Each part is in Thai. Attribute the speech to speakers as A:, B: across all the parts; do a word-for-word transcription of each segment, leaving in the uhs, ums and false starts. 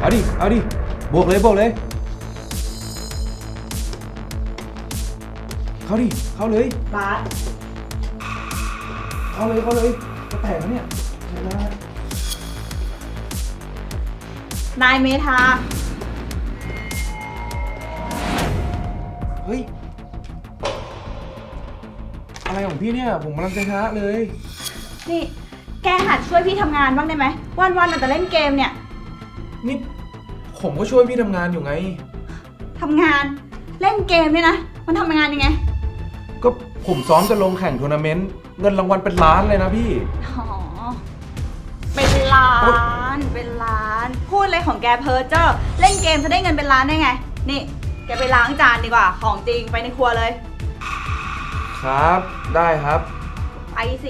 A: เอาดิเอาดิบวกเลยบวกเลยเข้าดิเข้าเลย
B: บาส
A: เข้าเลยเข้าเลยจะแตกแล้วเนี่ยเห็นไหม
B: นายเมธา
A: เฮ้ยอะไรของพี่เนี่ยผมกำลังจะชนะเลย
B: นี่แกหัดช่วยพี่ทำงานบ้างได้ไหมวันๆเราแต่เล่นเกมเนี่ย
A: นี่ผมก็ช่วยพี่ทำงานอยู่ไง
B: ทำงานเล่นเกมเนี่ยนะมันทำงานยังไง
A: ก็ผมซ้อมจะลงแข่งทัวร์นาเมนต์เงินรางวัลเป็นล้านเลยนะพี่
B: อ๋อเป็นล้านเป็นล้านพูดเลยของแกเพ้อเจ้อเล่นเกมจะได้เงินเป็นล้านได้ไงนี่แกไปล้างจานดีกว่าของจริงไปในครัวเลย
A: ครับได้ครับ
B: ไปสิ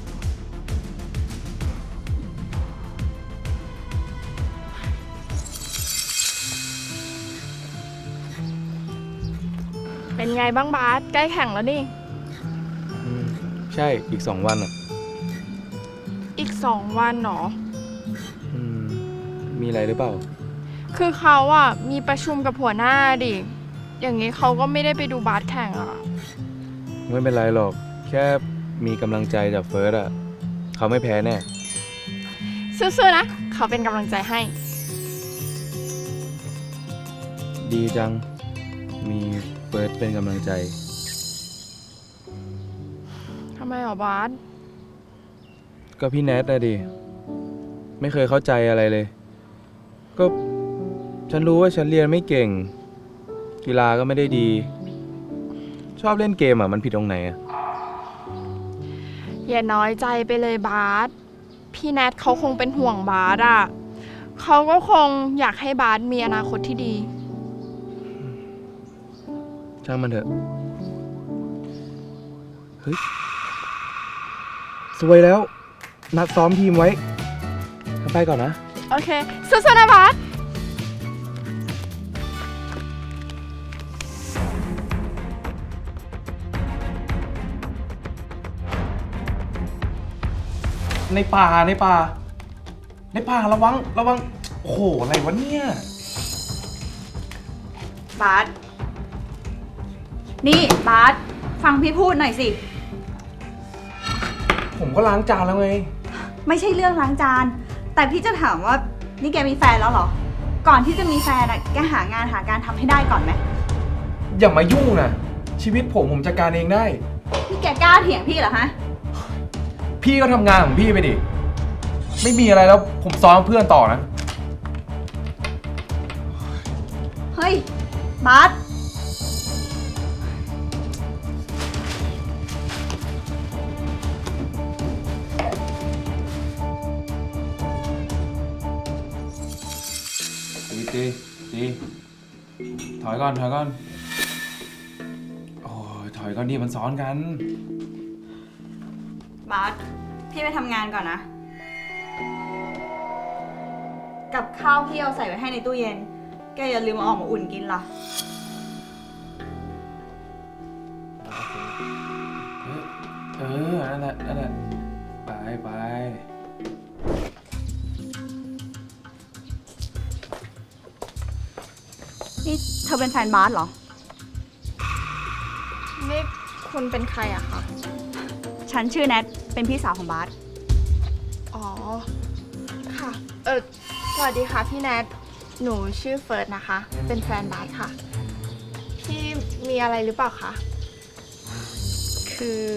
C: เป็นไงบ้างบาสใกล้แข่งแล้วนี่
A: ใช่อีกสองวันอ่ะ
C: อีกสองวันหรอ
A: อืมมีอะไรหรือเปล่า
C: คือเขาอ่ะมีประชุมกับหัวหน้าดิอย่างนี้เขาก็ไม่ได้ไปดูบาสแข่งอ่ะ
A: ไม่เป็นไรหรอกแค่มีกำลังใจจากเฟิร์สอ่ะเขาไม่แพ้แน่
C: สู้ๆนะเขาเป็นกำลังใจให้
A: ดีจังมีเฟิร์สเป็นกำลังใจ
C: ทำไมหรอบาส
A: ก็พี่แนทนะดิไม่เคยเข้าใจอะไรเลยก็ฉันรู้ว่าฉันเรียนไม่เก่งกีฬาก็ไม่ได้ดีชอบเล่นเกมอ่ะมันผิดตรงไหนอ่ะ
C: อย่าน้อยใจไปเลยบาสพี่แนทเขาคงเป็นห่วงบาสอ่ะเขาก็คงอยากให้บาสมีอนาคตที่ดี
A: ช่างมันเถอะเฮ้ยสวยแล้วนัดซ้อมทีมไว้ไปก่อนนะ
C: โอเคสู้ๆนะบาส
A: ในป่าในป่าในป่าระวังระวังโอ้โหอะไรวะเนี่ย
B: บาสนี่บาสฟังพี่พูดหน่อยสิ
A: ผมก็ล้างจานแล้วไง
B: ไม่ใช่เรื่องล้างจานแต่พี่จะถามว่านี่แกมีแฟนแล้วเหรอก่อนที่จะมีแฟนอะแกหางานหาการทำให้ได้ก่อนไหม
A: อย่ามายุ่งนะชีวิตผมผมจัดการเองได้
B: นี่แกกล้าเถียงพี่เหรอฮะ
A: พี่ก็ทำงานของพี่ไปดิไม่มีอะไรแล้วผมซ้อมเพื่อนต่อนะ
B: เฮ้ยบาส
A: ตีตีตีถอยก่อนถอยก่อนโอ้ยถอยก่อนดิมันซ้อนกัน
B: บาสพี่ไปทำงานก่อนนะกับข้าวพี่เอาใส่ไว้ให้ในตู้เย็นแกอย่าลืมเอาออกมาอุ่นกินล่ะ
A: เออนั่นแหละนั่นแหละไปไป
B: นี่เธอเป็นแฟนบาสเหรอ
C: นี่คุณเป็นใครอะคะ
B: ฉันชื่อแนทเป็นพี่สาวของบาส
C: อ๋อค่ะเออสวัสดีค่ะพี่แนทหนูชื่อเฟิร์สนะคะเป็นแฟนบาสค่ะพี่มีอะไรหรือเปล่าคะ
B: คือ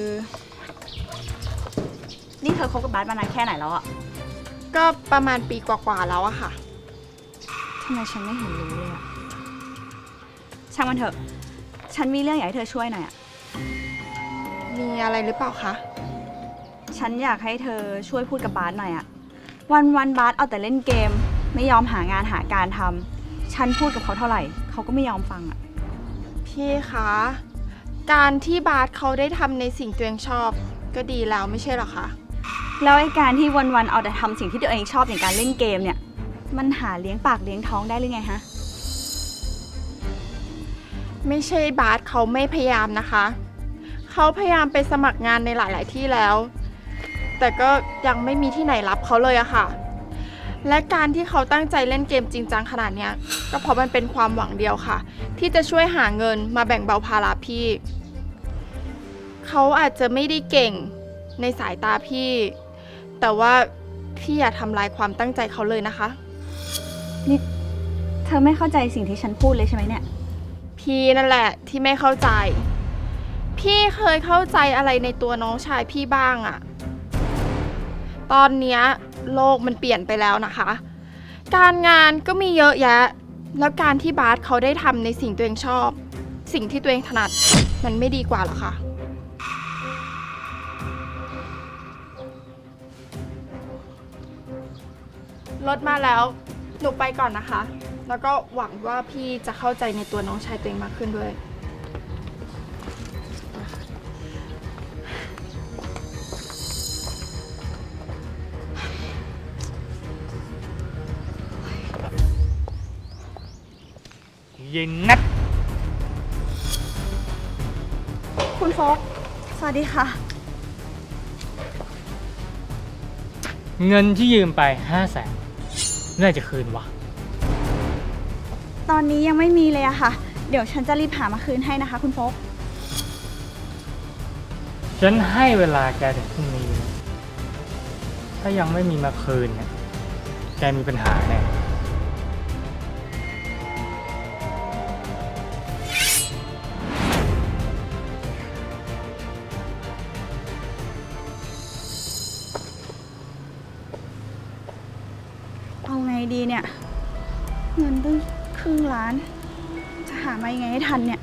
B: นี่เธอคบกับบาสมานานแค่ไหนแล้วอะ
C: ก็ประมาณปีกว่าๆแล้วอะค่ะ
B: ทำไมฉันไม่เห็นรู้เลยอะช่างมันเถอะฉันมีเรื่องอยากให้เธอช่วยหน่อยอะ
C: มีอะไรหรือเปล่าคะ
B: ฉันอยากให้เธอช่วยพูดกับบาสหน่อยอะวันวันบาสเอาแต่เล่นเกมไม่ยอมหางานหาการทำฉันพูดกับเขาเท่าไหร่เขาก็ไม่ยอมฟังอะ
C: พี่คะการที่บาสเขาได้ทำในสิ่งตัวเองชอบก็ดีแล้วไม่ใช่หรอคะ
B: แล้วไอ้การที่วันวันเอาแต่ทำสิ่งที่ตัวเองชอบอย่างการเล่นเกมเนี่ยมันหาเลี้ยงปากเลี้ยงท้องได้หรือไงฮะ
C: ไม่ใช่บาสเขาไม่พยายามนะคะเขาพยายามไปสมัครงานในหลายๆที่แล้วแต่ก็ยังไม่มีที่ไหนรับเขาเลยอะค่ะและการที่เขาตั้งใจเล่นเกมจริงจังขนาดเนี้ยก็เพราะมันเป็นความหวังเดียวค่ะ ที่จะช่วยหาเงินมาแบ่งเบาภาระพี่ เขาอาจจะไม่ได้เก่งในสายตาพี่ แต่ว่าพี่อย่าทำลายความตั้งใจเขาเลยนะคะ
B: นี่เธอไม่เข้าใจสิ่งที่ฉันพูดเลยใช่ไหมเนี่ย
C: พี่นั่นแหละที่ไม่เข้าใจ พี่เคยเข้าใจอะไรในตัวน้องชายพี่บ้างอะตอนเนี้ยโลกมันเปลี่ยนไปแล้วนะคะ การงานก็มีเยอะแยะ แล้วการที่บาสเขาได้ทำในสิ่งตัวเองชอบ สิ่งที่ตัวเองถนัดมันไม่ดีกว่าหรอคะรถมาแล้วหนูไปก่อนนะคะ แล้วก็หวังว่าพี่จะเข้าใจในตัวน้องชายตัวเองมากขึ้นด้วย
D: เย็นนัด
B: คุณโฟกสวัสดีค่ะ
D: เงินที่ยืมไปห้าแสนเมื่อไหร่จะคืนวะ
B: ตอนนี้ยังไม่มีเลยอะค่ะ เดี๋ยวฉันจะรีบหามาคืนให้นะคะคุณโฟก
D: ฉันให้เวลาแกถึงพรุ่งนี้นะถ้ายังไม่มีมาคืนเนี่ยแกมีปัญหาแน่
B: เอาไงดีเนี่ย เงินตั้งครึ่งล้าน จะหามายังไงให้ทันเนี่ย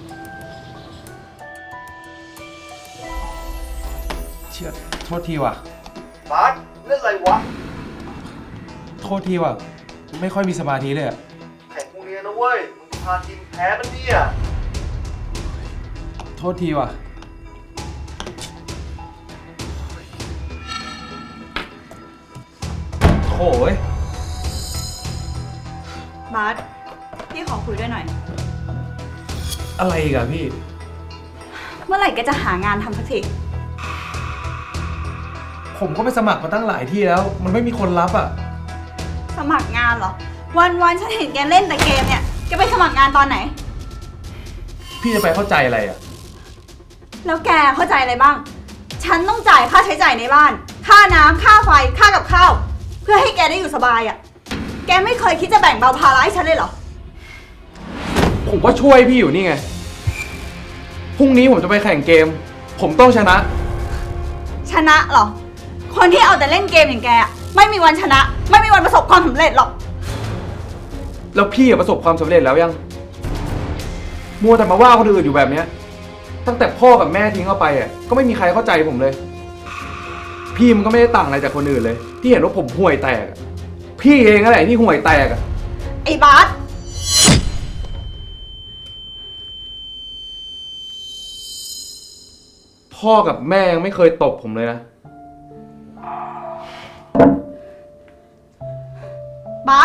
A: เชื่อโทษทีว่ะ
E: บาสเล่นอะไรวะ
A: โทษทีว่ะ ไม่ค่อยมีสมาธิเลยอะ
E: แข่งพรุ่งนี้นะเว้ย มึงจะพาทีมแพ้มันเนี่ย
A: โทษทีว่ะ โถ่เว้ย
B: บาสพี่ขอคุยด้วยหน่อย
A: อะไรอีกอะพี่
B: เมื่อไหร่แกจะหางานทำสักที
A: ผมก็ไปสมัครมาตั้งหลายที่แล้ว มันไม่มีคนรับอะ
B: สมัครงานเหรอ วันวันๆฉันเห็นแกเล่นแต่เกมเนี่ย แกไปสมัครงานตอนไหน
A: พี่จะไปเข้าใจอะไรอะ
B: แล้วแกเข้าใจอะไรบ้าง ฉันต้องจ่ายค่าใช้จ่ายในบ้าน ค่าน้ำค่าไฟ ค่ากับข้าว เพื่อให้แกได้อยู่สบายอะ่ะ แกไม่เคยคิดจะแบ่งเบาภาระให้ฉันเลยเหรอ
A: ผมก็ช่วยพี่อยู่นี่ไง พรุ่งนี้ผมจะไปแข่งเกม ผมต้องชนะ
B: ชนะเหรอ คนที่เอาแต่เล่นเกมอย่างแกอะไม่มีวันชนะ ไม่มีวันประสบความสำเร็จหรอก
A: แล้วพี่อะประสบความสำเร็จแล้วยัง มัวแต่มาว่าคนอื่นอยู่แบบเนี้ย ตั้งแต่พ่อกับแม่ทิ้งเข้าไปอ่ะ ก็ไม่มีใครเข้าใจผมเลย พี่มันก็ไม่ได้ต่างอะไรจากคนอื่นเลย ที่เห็นว่าผมห่วยแตกอะพี่เองนั่นแหละที่ห่วยแตกอ่ะ
B: ไอ้บาส
A: พ่อกับแม่ยังไม่เคยตบผมเลยนะ
B: บาส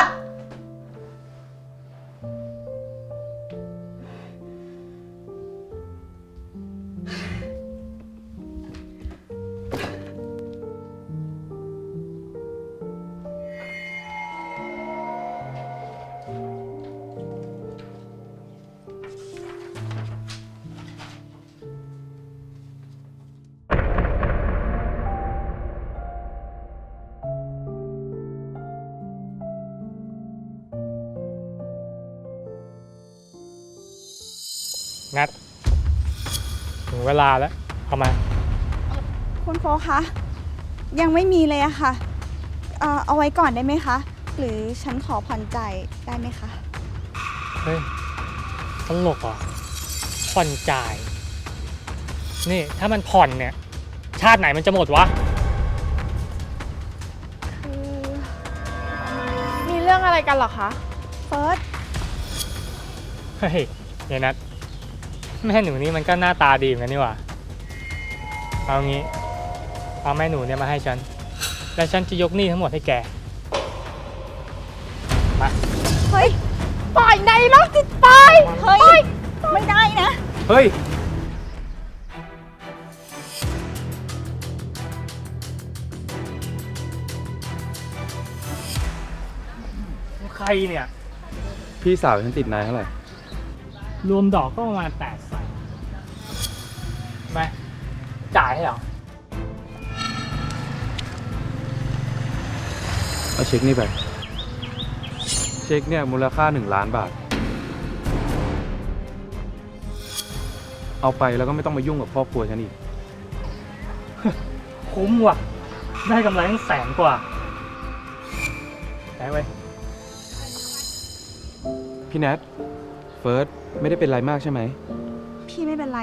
D: นัด ถึงเวลาแล้ว เข้ามา
B: คุณโฟกคะ ยังไม่มีเลยอะค่ะ เอ่อเอาไว้ก่อนได้ไหมคะ หรือฉันขอผ่อนจ่ายได้ไหมคะ
D: เฮ้ยตลกเหรอ ผ่อนจ่าย นี่ถ้ามันผ่อนเนี่ย ชาติไหนมันจะหมดวะ
C: คือมีเรื่องอะไรกันเหรอคะ
B: เฟิร์ส
D: เฮ้ยยายนัทแม่หนูนี่มันก็หน้าตาดีเหมือนกันนี่หว่า เอางี้ เอาแม่หนูเนี่ยมาให้ฉัน แล้วฉันจะยกหนี้ทั้งหมดให้แก มา
B: เฮ้ย
C: ปล่อยในโรคจิตไป
B: เฮ้ย ไม่ได้นะ
A: เฮ้ย
B: บ
D: เนี่ย
A: พี่สาวฉันติดนายเท่าไหร่
D: รวมดอกก็ประมาณแปดแสนไม่จ่ายให้เหรอ
A: เอาเช็คนี่ไป เช็คเนี่ยมูลค่าหนึ่งล้านบาท เอาไปแล้วก็ไม่ต้องมายุ่งกับครอบครัวฉันอีก
D: คุ้มว่ะ ได้กำไรตั้งแสนกว่าได้ไว้ย
A: พี่แนทเฟิร์สไม่ได้เป็นไรมากใช่ไหม
B: พี่ไม่เป็นไร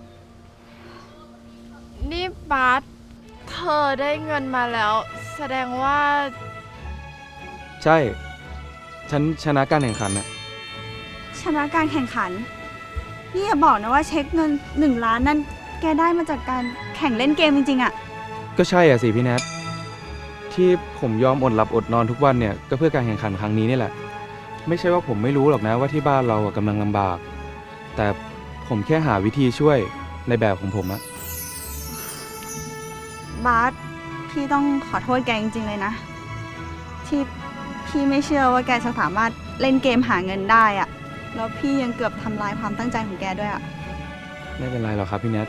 C: นี่บาสเธอได้เงินมาแล้ว แสดงว่า
A: ใช่ ฉันชนะการแข่งขันน่ะ
B: ชนะการแข่งขัน นี่อย่าบอกนะว่าเช็คเงินหนึ่งล้านนั่นแกได้มาจากการแข่งเล่นเกมจริงๆอะ
A: ก็ใช่อ่ะสิพี่แนทที่ผมยอมอดหลับอดนอนทุกวันเนี่ยก็เพื่อการแข่งขันครั้งนี้นี่แหละ ไม่ใช่ว่าผมไม่รู้หรอกนะว่าที่บ้านเราอะกำลังลำบาก แต่ผมแค่หาวิธีช่วยในแบบของผมอะ
B: บาสพี่ต้องขอโทษแกจริงๆเลยนะ ที่พี่ไม่เชื่อว่าแกจะสามารถเล่นเกมหาเงินได้อะแล้วพี่ยังเกือบทำลายความตั้งใจของแกด้วยอะ
A: ไม่เป็นไรหรอกครับพี่แนท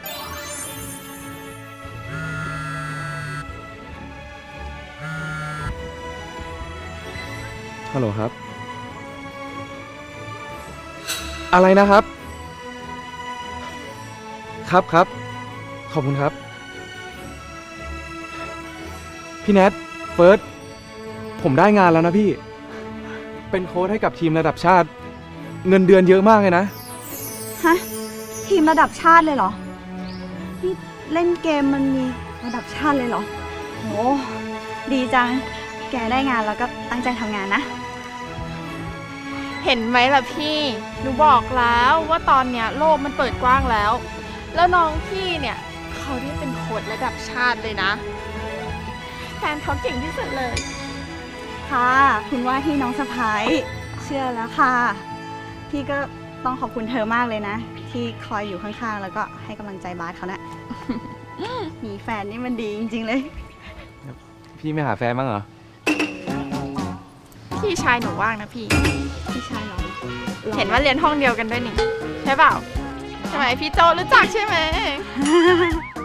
A: ฮัลโหลครับ อะไรนะครับ ครับครับ ขอบคุณครับ พี่แนทเฟิร์สผมได้งานแล้วนะพี่ เป็นโค้ชให้กับทีมระดับชาติ เงินเดือนเยอะมากเลยนะ
B: ฮะทีมระดับชาติเลยเหรอ นี่เล่นเกมมันมีระดับชาติเลยเหรอโหดีจัง แกได้งานแล้วก็ตั้งใจทำงานนะ
C: เห็นไหมล่ะพี่ หนูบอกแล้วว่าตอนเนี้ยโลกมันเปิดกว้างแล้ว แล้วน้องพี่เนี่ยเขาได้เป็นโค้ชระดับชาติเลยนะ แฟนเขาเก่งที่สุดเลย
B: ค่ะ คุณว่าที่น้องสะพ้ายเชื่อแล้วค่ะ พี่ก็ต้องขอบคุณเธอมากเลยนะ ที่คอยอยู่ข้างๆ แล้วก็ให้กำลังใจบาสเขานะ มีแฟนนี่มันดีจริงๆเลย
A: พี่ไม่หาแฟนบ้างเหรอ
C: พี่ชายหนูว่างนะพี่
B: พี่ชายเหรอ
C: เห็นว่าเรียนห้องเดียวกันด้วยนี่ ใช่เปล่า ใช่ไหมพี่โจรู้จักใช่ไหม